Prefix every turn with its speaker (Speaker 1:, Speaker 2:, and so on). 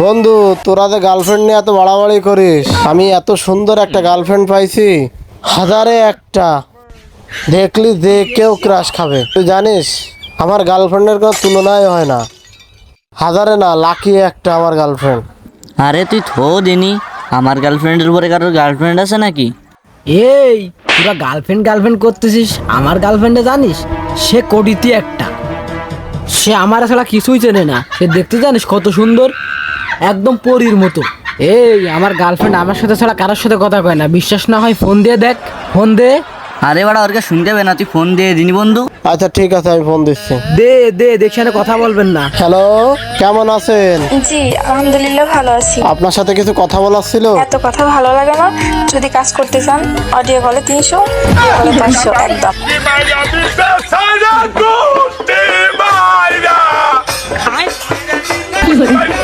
Speaker 1: বন্ধু, তোরা যে গার্লফ্রেন্ড নিয়ে এত বাড়াবাড়ি করিস, আমি এত সুন্দর একটা গার্লফ্রেন্ড পাইছি, হাজারে একটা দেখলি যে কেউ ক্রাশ খাবে। তুই জানিস আমার গার্লফ্রেন্ডের কোনো তুলনাই হয় না, হাজারে না লাকি একটা আমার গার্লফ্রেন্ড।
Speaker 2: আরে তুই থো দিনি, আমার গার্লফ্রেন্ডের উপরে কারোর গার্লফ্রেন্ড আছে নাকি?
Speaker 3: এই তোরা গার্লফ্রেন্ড গার্লফ্রেন্ড করতেছিস, আমার গার্লফ্রেন্ডে জানিস সে কোটিতে একটা। সে আমার আসলে কিছুই চেনে না, সে দেখতে জানিস কত সুন্দর, একদম পরীর মতো। এই আমার গার্লফ্রেন্ড আমার সাথে ছাড়া কারোর সাথে কথা কয় না, বিশ্বাস না হয় ফোন দিয়ে দেখ, ফোন দে।
Speaker 2: আরে বাড়া, ওরকে শুনতে হবে না, তুই ফোন দিয়ে দিনি বন্ধু।
Speaker 1: আচ্ছা ঠিক আছে, আমি ফোন দিচ্ছি।
Speaker 3: দে দে দেখছি কথা বলবেন না।
Speaker 1: হ্যালো, কেমন আছেন?
Speaker 4: জি আলহামদুলিল্লাহ ভালো আছি।
Speaker 1: আপনার সাথে কিছু কথা বলার ছিল।
Speaker 4: এত কথা ভালো লাগে না, যদি কাজ করতে চান অডিও কলে 300, ভিডিও কলে 500 একদম।
Speaker 5: Te vaya,